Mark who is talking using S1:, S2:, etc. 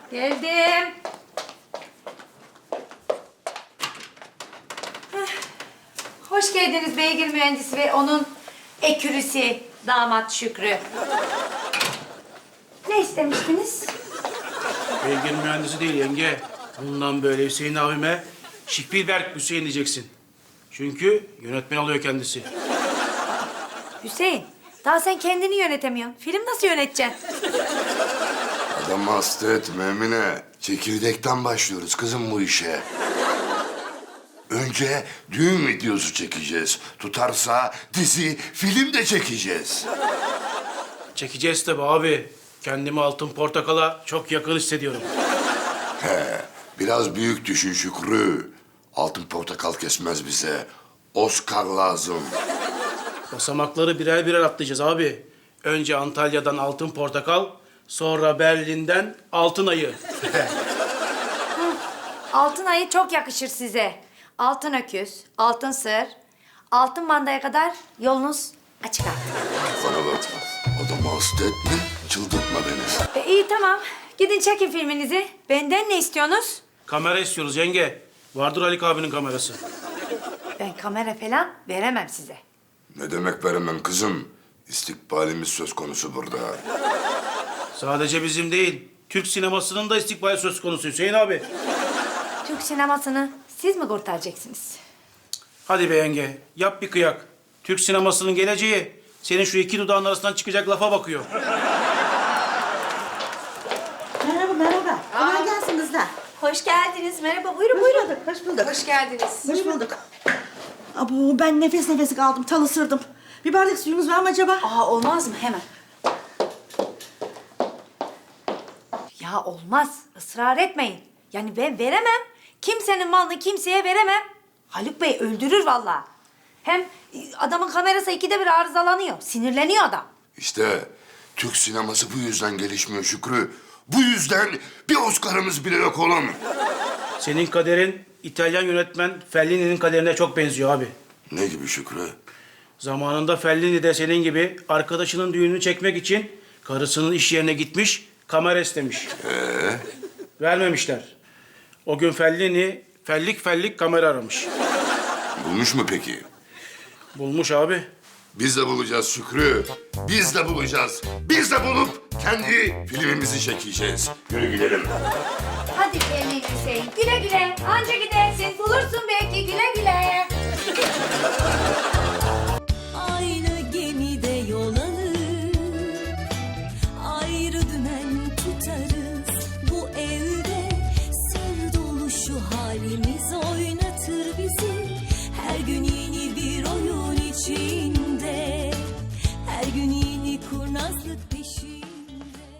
S1: Geldim. Hoş geldiniz beygir mühendisi ve onun ekürüsü damat Şükrü. Ne istemiştiniz?
S2: Beygir mühendisi değil yenge. Bundan böyle Hüseyin abime Spielberg Hüseyin diyeceksin. Çünkü yönetmen oluyor kendisi.
S1: Hüseyin, daha sen kendini yönetemiyorsun. Film nasıl yöneteceksin?
S3: Adamı hasta etme Emine. Çekirdekten başlıyoruz kızım bu işe. Önce düğün videosu çekeceğiz. Tutarsa dizi, film de çekeceğiz.
S2: Çekeceğiz tabii abi. Kendimi Altın Portakal'a çok yakın hissediyorum.
S3: Biraz büyük düşün Şükrü. Altın portakal kesmez bize. Oscar lazım.
S2: Basamakları birer birer atlayacağız abi. Önce Antalya'dan Altın Portakal, sonra Berlin'den Altın Ayı.
S1: Altın ayı çok yakışır size. Altın öküz, altın sır, altın mandaya kadar yolunuz açık artık.
S3: Bana bak. Adamı hasta etme, çıldırtma beni.
S1: İyi tamam. Gidin çekin filminizi. Benden ne istiyorsunuz?
S2: Kamera istiyoruz yenge. Vardır Halik abinin kamerası.
S1: Ben kamera falan veremem size.
S3: Ne demek veremem kızım? İstikbalimiz söz konusu burada.
S2: Sadece bizim değil, Türk sinemasının da istikbali söz konusu Hüseyin abi.
S1: Türk sinemasını siz mi kurtaracaksınız?
S2: Hadi be yenge, yap bir kıyak. Türk sinemasının geleceği senin şu iki dudağın arasından çıkacak lafa bakıyor.
S4: Merhaba, merhaba. Kolay gelsin kızlar.
S1: Hoş geldiniz. Merhaba. Buyurun
S4: Hoş bulduk, hoş bulduk.
S1: Hoş geldiniz.
S4: Hoş bulduk. Abo, ben nefes nefese kaldım, tal ısırdım. Bir bardak suyumuz var mı acaba?
S1: Aa olmaz mı? Hemen. Ya olmaz. Israr etmeyin. Yani ben veremem. Kimsenin malını kimseye veremem. Haluk Bey öldürür vallahi. Hem adamın kamerası ikide bir arızalanıyor. Sinirleniyor adam.
S3: İşte Türk sineması bu yüzden gelişmiyor Şükrü. Bu yüzden bir Oscar'ımız bile yok oğlum.
S2: Senin kaderin İtalyan yönetmen Fellini'nin kaderine çok benziyor abi.
S3: Ne gibi Şükrü?
S2: Zamanında Fellini de senin gibi arkadaşının düğününü çekmek için karısının iş yerine gitmiş, kamera istemiş. Vermemişler. O gün Fellini fellik fellik kamera aramış.
S3: Bulmuş mu peki?
S2: Bulmuş abi.
S3: Biz de bulacağız Şükrü. Biz de bulacağız. Biz de bulup kendi filmimizi çekeceğiz. Yürü gidelim.
S1: Hadi gelin Hüseyin. Güle güle. Anca gidersin. Bulursun belki güle güle.